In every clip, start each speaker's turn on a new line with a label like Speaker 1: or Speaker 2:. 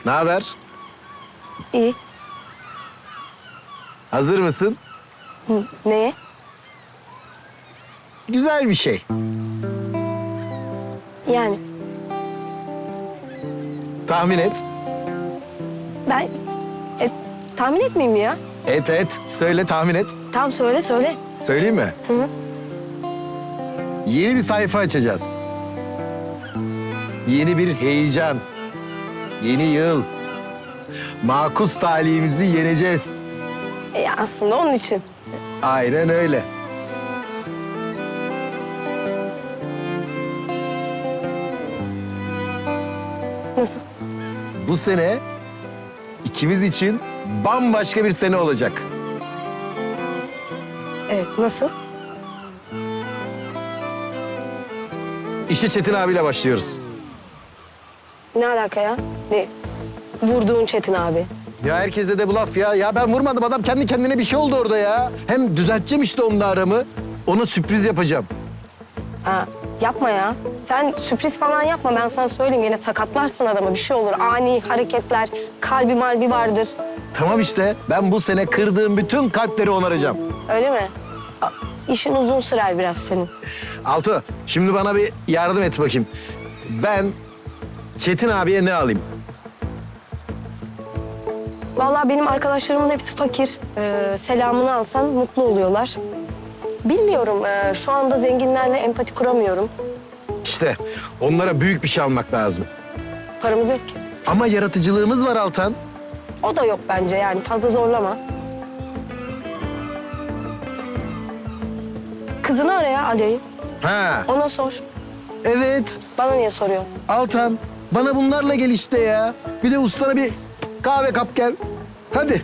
Speaker 1: Ne haber?
Speaker 2: İyi.
Speaker 1: Hazır mısın?
Speaker 2: Neye?
Speaker 1: Güzel bir şey.
Speaker 2: Yani
Speaker 1: Tahmin et.
Speaker 2: ben tahmin etmeyeyim mi ya?
Speaker 1: Et. Söyle, tahmin et.
Speaker 2: Tamam söyle.
Speaker 1: Söyleyeyim mi?
Speaker 2: Hı.
Speaker 1: Yeni bir sayfa açacağız. Yeni bir heyecan. Yeni yıl. Makus talihimizi yeneceğiz.
Speaker 2: Ya aslında onun için.
Speaker 1: Aynen öyle.
Speaker 2: Nasıl?
Speaker 1: Bu sene ikimiz için bambaşka bir sene olacak.
Speaker 2: Evet, nasıl?
Speaker 1: İşe Çetin abiyle başlıyoruz.
Speaker 2: Ne alaka ya? Ne? Vurduğun Çetin abi.
Speaker 1: Ya herkese de bu laf ya. Ya ben vurmadım, adam kendi kendine bir şey oldu orada ya. Hem düzelteceğim işte onunla aramı. Ona sürpriz yapacağım.
Speaker 2: Ha, yapma ya. Sen sürpriz falan yapma. Ben sana söyleyeyim. Yine sakatlarsın adamı. Bir şey olur. Ani hareketler, kalbi malbi vardır.
Speaker 1: Tamam işte, ben bu sene kırdığım bütün kalpleri onaracağım.
Speaker 2: Öyle mi? İşin uzun sürer biraz senin.
Speaker 1: Altu, şimdi bana bir yardım et bakayım. Ben Çetin abiye ne alayım?
Speaker 2: Vallahi benim arkadaşlarımın hepsi fakir. Selamını alsan mutlu oluyorlar. Bilmiyorum. Şu anda zenginlerle empati kuramıyorum.
Speaker 1: İşte onlara büyük bir şey almak lazım.
Speaker 2: Paramız yok ki.
Speaker 1: Ama yaratıcılığımız var Altan.
Speaker 2: O da yok bence yani. Fazla zorlama. Kızını ara ya Alya'yı.
Speaker 1: Ha,
Speaker 2: Ona sor.
Speaker 1: evet.
Speaker 2: Bana niye soruyor?
Speaker 1: Altan, bana bunlarla gel işte ya. Bir de ustana bir kahve kap gel. Hadi.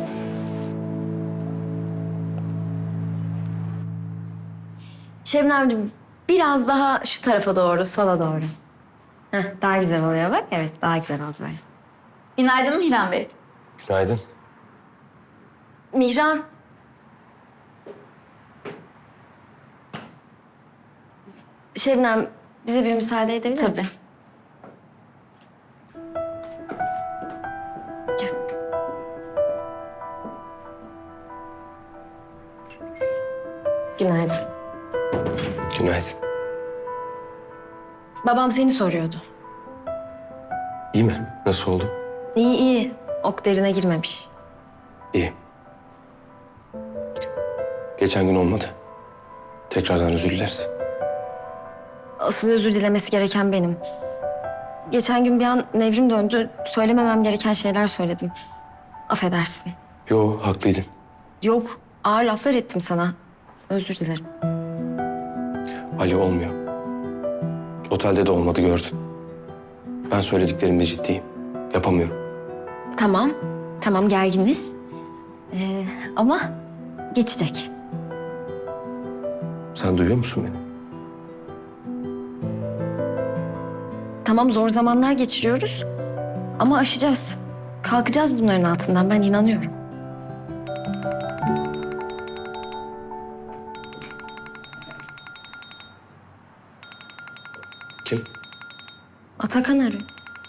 Speaker 3: Şebnemciğim biraz daha şu tarafa doğru, sola doğru. Heh, daha güzel oluyor bak. Evet, daha güzel oldu böyle.
Speaker 4: Günaydın Mihran Bey.
Speaker 1: Günaydın.
Speaker 3: Mihran. Şebnem, bize bir müsaade edebilir
Speaker 4: Tabii.
Speaker 3: misin? Gel. Günaydın.
Speaker 5: Günaydın.
Speaker 3: Babam seni soruyordu.
Speaker 5: İyi mi? Nasıl oldu?
Speaker 3: İyi iyi. Ok derine girmemiş.
Speaker 5: İyi. Geçen gün olmadı. Tekrardan özür dileriz.
Speaker 3: Asıl özür dilemesi gereken benim. Geçen gün bir an nevrim döndü. Söylememem gereken şeyler söyledim. Affedersin.
Speaker 5: Yo, haklıydın.
Speaker 3: Yok, ağır laflar ettim sana. Özür dilerim.
Speaker 5: Ali olmuyor. Otelde de olmadı, gördün. Ben söylediklerimde ciddiyim. Yapamıyorum.
Speaker 3: Tamam, tamam gerginiz. Ama geçecek.
Speaker 5: Sen duyuyor musun beni?
Speaker 3: Tamam zor zamanlar geçiriyoruz. Ama aşacağız. Kalkacağız bunların altından, ben inanıyorum.
Speaker 5: Kim?
Speaker 3: Atakan arıyor.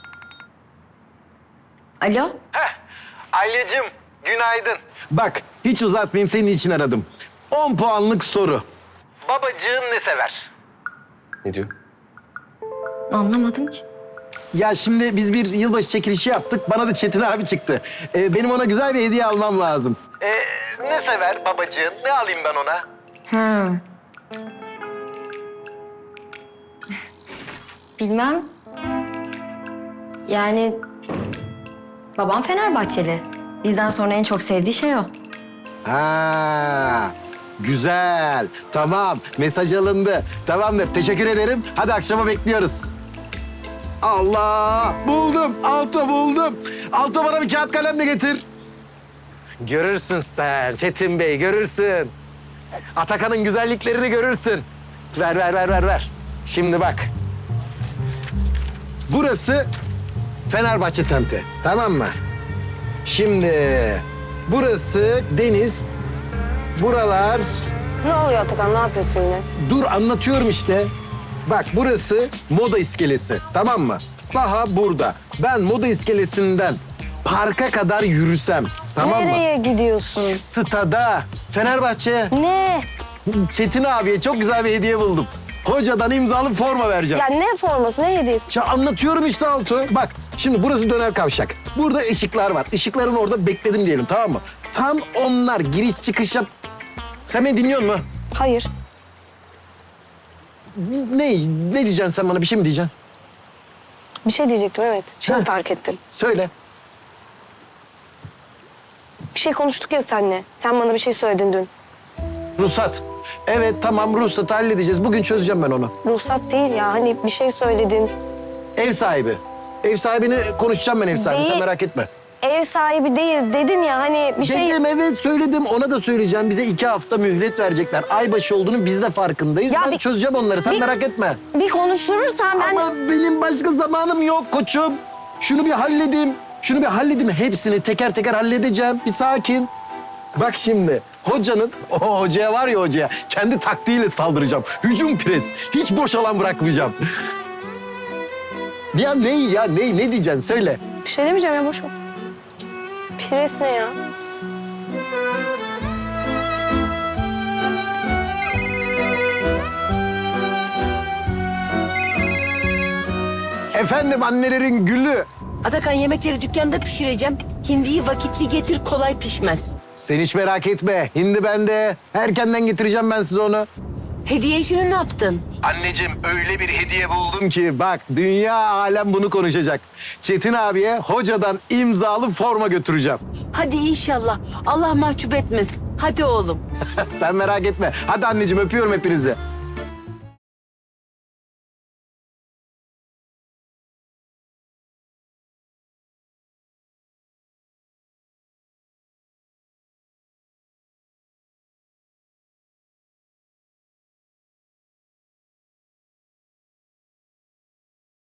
Speaker 3: Alo?
Speaker 1: Alyacığım, günaydın. Bak, hiç uzatmayayım, senin için aradım. 10 puanlık soru. Babacığın ne sever?
Speaker 5: Ne diyor?
Speaker 3: Anlamadım ki.
Speaker 1: Ya şimdi biz bir yılbaşı çekilişi yaptık. Bana da Çetin abi çıktı. Benim ona güzel bir hediye almam lazım. Ne sever babacığın? Ne alayım ben ona?
Speaker 3: Ha. Bilmem. Yani babam Fenerbahçeli. Bizden sonra en çok sevdiği şey o.
Speaker 1: Ha, güzel. Tamam, mesaj alındı. Tamamdır, teşekkür ederim. Hadi akşama bekliyoruz. Allah! Buldum, Alto buldum. Alto bana bir kağıt kalem de getir. Görürsün sen Çetin Bey, görürsün. Atakan'ın güzelliklerini görürsün. Ver. Şimdi bak. Burası Fenerbahçe semti, tamam mı? Şimdi burası deniz, buralar...
Speaker 2: Ne oluyor Atakan? Ne yapıyorsun yine?
Speaker 1: Dur anlatıyorum işte. Bak burası moda iskelesi, tamam mı? Saha burada. Ben moda iskelesinden parka kadar yürüsem, tamam mı?
Speaker 2: Nereye gidiyorsun?
Speaker 1: Stada, Fenerbahçe.
Speaker 2: Ne?
Speaker 1: Çetin abiye çok güzel bir hediye buldum. Hocadan imzalı forma vereceğim.
Speaker 2: Ya ne forması, ne hediyesi?
Speaker 1: Ya anlatıyorum işte Altuğ. Bak şimdi burası döner kavşak. Burada ışıklar var. Işıkların orada bekledim diyelim, tamam mı? Tam onlar giriş çıkış yap... Sen beni dinliyor musun?
Speaker 2: Hayır.
Speaker 1: Ne diyeceksin sen bana? Bir şey mi diyeceksin?
Speaker 2: Bir şey diyecektim, evet. Şimdi
Speaker 1: Ha.
Speaker 2: fark ettim.
Speaker 1: Söyle.
Speaker 2: Bir şey konuştuk ya seninle. Sen bana bir şey söyledin dün.
Speaker 1: Ruhsat. Evet tamam, ruhsatı halledeceğiz. Bugün çözeceğim ben onu.
Speaker 2: Ruhsat değil ya, hani bir şey söyledin.
Speaker 1: Ev sahibi. Ev sahibini konuşacağım ben, ev sahibi. Sen
Speaker 2: Değil.
Speaker 1: merak etme.
Speaker 2: Ev sahibi değil dedin ya, hani bir şey...
Speaker 1: Dedim, evet söyledim. Ona da söyleyeceğim. Bize 2 hafta mühlet verecekler. Aybaşı olduğunu biz de farkındayız.
Speaker 2: Ya
Speaker 1: Ben
Speaker 2: bir-
Speaker 1: çözeceğim onları. Sen
Speaker 2: bir-
Speaker 1: merak etme.
Speaker 2: Bir konuşturursan ben...
Speaker 1: Ama benim başka zamanım yok koçum. Şunu bir halledeyim. Şunu bir halledeyim. Hepsini teker teker halledeceğim. Bir sakin. Bak şimdi hocanın, o hocaya var ya hocaya, kendi taktiğiyle saldıracağım. Hücum pres. Hiç boş alan bırakmayacağım. Ya ne diyeceksin söyle.
Speaker 2: Bir şey demeyeceğim ya, boş ver. Pires ne ya?
Speaker 1: Efendim annelerin gülü.
Speaker 6: Atakan yemekleri dükkanda pişireceğim. Hindiyi vakitli getir, kolay pişmez.
Speaker 1: Sen hiç merak etme. Hindi bende. Erkenden getireceğim ben size onu.
Speaker 6: Hediye işini ne yaptın?
Speaker 1: Anneciğim öyle bir hediye buldum ki bak dünya alem bunu konuşacak. Çetin abiye hocadan imzalı forma götüreceğim.
Speaker 6: Hadi inşallah. Allah mahcup etmesin. Hadi oğlum.
Speaker 1: Sen merak etme. Hadi anneciğim öpüyorum hepinizi.